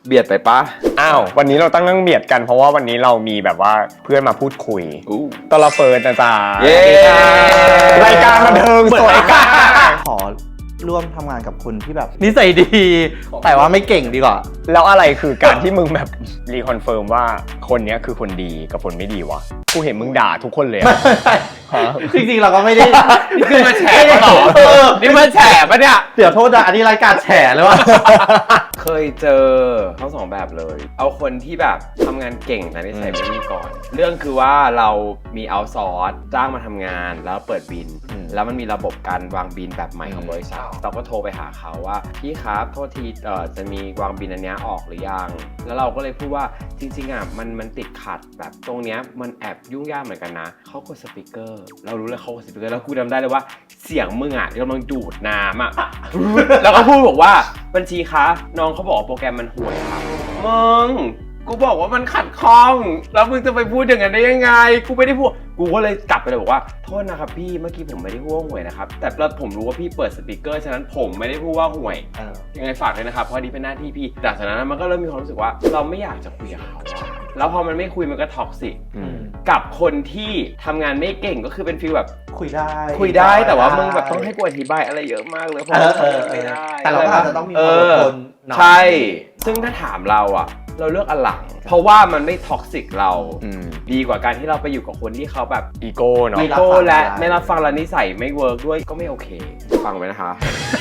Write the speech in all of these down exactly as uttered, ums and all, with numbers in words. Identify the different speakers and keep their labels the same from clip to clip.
Speaker 1: เบียดไปปะ
Speaker 2: อ้าววันนี้เราตั้งเรื่องเบียดกันเพราะว่าวันนี้เรามีแบบว่าเพื่อนมาพูดคุยตลอดเฟิร์นนะจ๊ะรายการบันเทิงสวยกัน
Speaker 3: ขอร่วมทำงานกับคนที่แบบนิสัยดีแต่ว่าไม่เก่งดีกว่า
Speaker 2: แล้วอะไรคือการที่มึงแบบรีคอนเฟิร์มว่าคนนี้คือคนดีกับคนไม่ดีวะกูเห็นมึงด่าทุกคนเลย
Speaker 3: จริงๆเราก็ไม่ได้
Speaker 1: นี่คือมาแฉหรอนี่มาแฉปะเนี่ย
Speaker 3: เดี๋ยวโทษนะอันนี้รายการแฉเลยวะ
Speaker 1: เคยเจอทั้งสองแบบเลยเอาคนที่แบบทำงานเก่งแต่นิสัยไม่ดีก่อนเรื่องคือว่าเรามีเอาซอร์สจ้างมาทำงานแล้วเปิดบินแล้วมันมีระบบการวางบินแบบใหม่ของบริษัทเราก็โทรไปหาเขาว่าพี่ครับโทษทีเอ่อจะมีวางบินอันนี้ออกหรือยังแล้วเราก็เลยพูดว่าจริงๆอ่ะมันมันติดขัดแบบตรงเนี้ยมันแอบยุ่งยากเหมือนกันนะเขากดสปีกเกอร์เรารู้เลยเขากดสปีกเกอร์แล้วกูจำได้เลยว่าเสียงมึงอ่ะกำลังดูดน้ำอ่ะแล้วก็พูดบอกว่าบัญชีคะน้องเขาบอกโปรแกรมมันห่วยครับมึงกูบอกว่ามันขัดข้องแล้วมึงจะไปพูดอย่างนั้นได้ยังไงกูไม่ได้พูดกูก็เลยกลับไปเลยบอกว่าโทษนะครับพี่เมื่อกี้ผมไม่ได้พูดว่าห่วยนะครับแต่แล้วผมรู้ว่าพี่เปิดสปีกเกอร์ฉะนั้นผมไม่ได้พูดว่าห่วยยังไงฝากเลยนะครับเพราะนี่เป็นหน้าที่พี่จากนั้นมันก็เริ่มมีความรู้สึกว่าเราไม่อยากจะคุยกับเขาแล้วพอมันไม่คุยมันก็ท็อกซิกกับคนที่ทำงานไม่เก่งก็คือเป็นฟีลแบบ
Speaker 3: คุยได้
Speaker 1: คุยได้แต่ว่ามึงแบบต้องให้กูอธิบายอะไรเยอะมากเลยเพราะว่าไม่ได้
Speaker 3: แต่เราก็อาจจะต้องมีความอดทน
Speaker 1: ใช่ซึ่งถ้าถามเราอ่ะเราเลือกอันหลังเพราะว่ามันไม่ท็อกซิกเราดีกว่าการที่เราไปอยู่กับคนที่เขาแบบ
Speaker 2: อีโก้เนาะ
Speaker 1: อีโก้และไม่รับฟังและนิสัยไม่เวิร์กด้วยก็ไม่โอเคฟังไว้นะคะ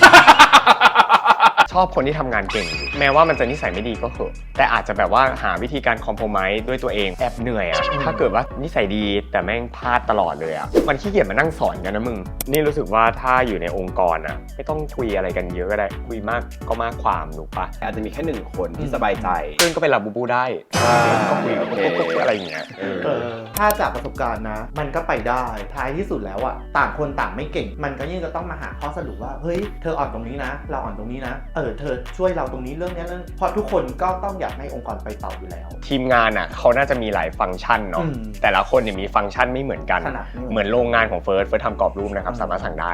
Speaker 2: ชอบคนที่ทำงานเก่งแม้ว่ามันจะนิสัยไม่ดีก็เถอะแต่อาจจะแบบว่าหาวิธีการคอมโพรไมซ์ด้วยตัวเองแอบเหนื่อยอะถ้าเกิดว่านิสัยดีแต่แม่งพลาดตลอดเลยอะมันขี้เกียจมานั่งสอนกันนะมึงนี่รู้สึกว่าถ้าอยู่ในองค์กรอะไม่ต้องคุยอะไรกันเยอะก็ได้คุยมากก็มากความถูกปะ
Speaker 1: อาจจะมีแค่หนึ่งคนที่สบายใจ
Speaker 2: เพื่อนก็เป็นลาบูบูได้ก็คุยอะไรอย่างเงี้ย
Speaker 3: ถ้าจากประสบการณ์นะมันก็ไปได้ท้ายที่สุดแล้วอะต่างคนต่างไม่เก่งมันก็ยิ่งจะต้องมาหาข้อสรุปว่าเฮ้ยเธออ่อนตรงนี้นะเราอ่อนตรงนี้นะเออเธอช่วยเราตรงนี้เรื่องนี้เรื่องเพราะทุกคนก็ต้องอยากให้องค์กรไปต่ออยู่แล้ว
Speaker 2: ทีมงานอ่ะเขาน่าจะมีหลายฟังก์ชันเนาะแต่ละคนเนี่ยมีฟังก์ชันไม่เหมือนกันเหมือนโรงงานของเฟิร์สเฟิร์สทำกรอบรูปนะครับสามารถสั่งได้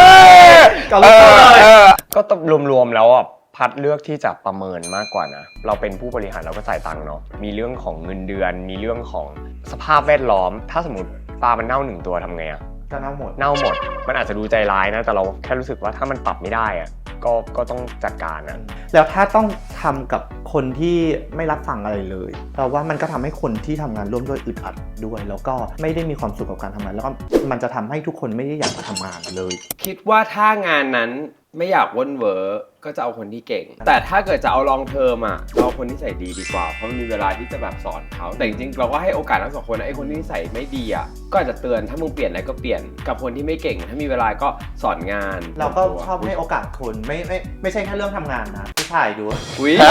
Speaker 2: ก็ต้องรวมๆแล้วอ่ะพัดเลือกที่จะประเมินมากกว่านะเราเป็นผู้บริหารเราก็จ่ายตังค์เนาะมีเรื่องของเงินเดือนมีเรื่องของสภาพแวดล้อมถ้าสมมติปลามันเน่าหนึ่งตัวทำไงอะ
Speaker 3: ก็เน่าหมด
Speaker 2: เน่าหมดมันอาจจะดูใจร้ายนะแต่เราแค่รู้สึกว่าถ้ามันปรับไม่ได้อะก็ก็ต้องจัดการนะ
Speaker 3: แล้วถ้าต้องทำกับคนที่ไม่รับฟังอะไรเลยเราว่ามันก็ทำให้คนที่ทำงานร่วมด้วยอึดอัดด้วยแล้วก็ไม่ได้มีความสุขกับการทำงานแล้วก็มันจะทำให้ทุกคนไม่ได้อยากมาทำงานเลย
Speaker 1: คิดว่าถ้างานนั้นไม่อยากว่นเวอร์ก็จะเอาคนที่เก่งแต่ถ้าเกิดจะเอาลองเทอมอ่ะเอาคนที่ใส่ดีดีกว่าเพราะมันมีเวลาที่จะแบบสอนเขาแต่จริงๆเราก็ให้โอกาสทั้งสองคนนะไอ้คนที่ใส่ไม่ดีอ่ะก็อาจจะเตือนถ้ามึงเปลี่ยนอะไรก็เปลี่ยนกับคนที่ไม่เก่งถ้ามีเวลาก็สอนงาน
Speaker 3: เราก็ชอบให้โอกาสคนไม่ไม่ไม่ใช่แค่เรื่องทำงานนะผู้ชายดู
Speaker 1: อุ้ย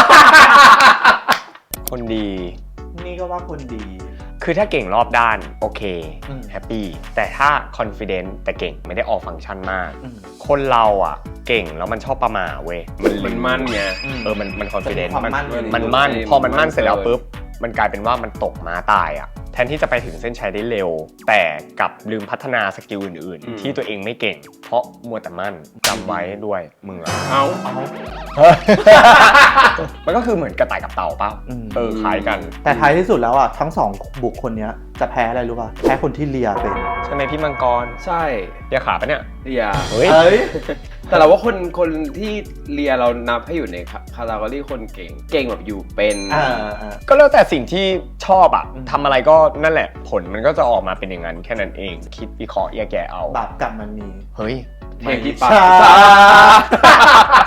Speaker 2: คนดี
Speaker 3: นี่ก็ว่าคนดี
Speaker 2: คือถ้าเก่งรอบด้านโอเคแฮปปี้แต่ถ้า confident แต่เก่งไม่ได้ออกฟังก์ชันมากคนเราอ่ะเก่งแล้วมันชอบประมาเว้ย
Speaker 1: มันมั่นไง
Speaker 2: เออมันมัน confident มันมันมั่นพอมันมั่นเสร็จแล้วปุ๊บมันกลายเป็นว่ามันตกม้าตายอ่ะแทนที่จะไปถึงเส้นชัยได้เร็วแต่กลับลืมพัฒนาสกิลอื่นๆที่ตัวเองไม่เก่งเพราะมัวแต่มั่นจำไว้ด้วยมึงอะ
Speaker 1: เอาเอา
Speaker 2: มันก็คือเหมือนกระต่ายกับเต่าป่ะเออคล้ายกัน
Speaker 3: แต่ท้ายที่สุดแล้วอ่ะทั้งสองบุคคลนี้จะแพ้อะไรรู้ป่ะแพ้คนที่เลียเป็น
Speaker 2: ใช่ไหมพี่มังกร
Speaker 1: ใช่
Speaker 2: เลียขาปะเนี่ย
Speaker 1: เลีย
Speaker 2: เฮ้ย
Speaker 1: แต่เราว่าคนคนที่เลียเรานับให้อยู่ในคาราโอรี่คนเก่งเก่งแบบอยู่เป็น
Speaker 2: ก็แล้วแต่สิ่งที่ชอบอะทำอะไรก็นั่นแหละผลมันก็จะออกมาเป็นอย่างนั้นแค่นั้นเองคิดวิเคราะห์แยกแยะเอา
Speaker 3: บาปกรรมมันมี
Speaker 2: เฮ้ย
Speaker 1: เพลงที่ปาก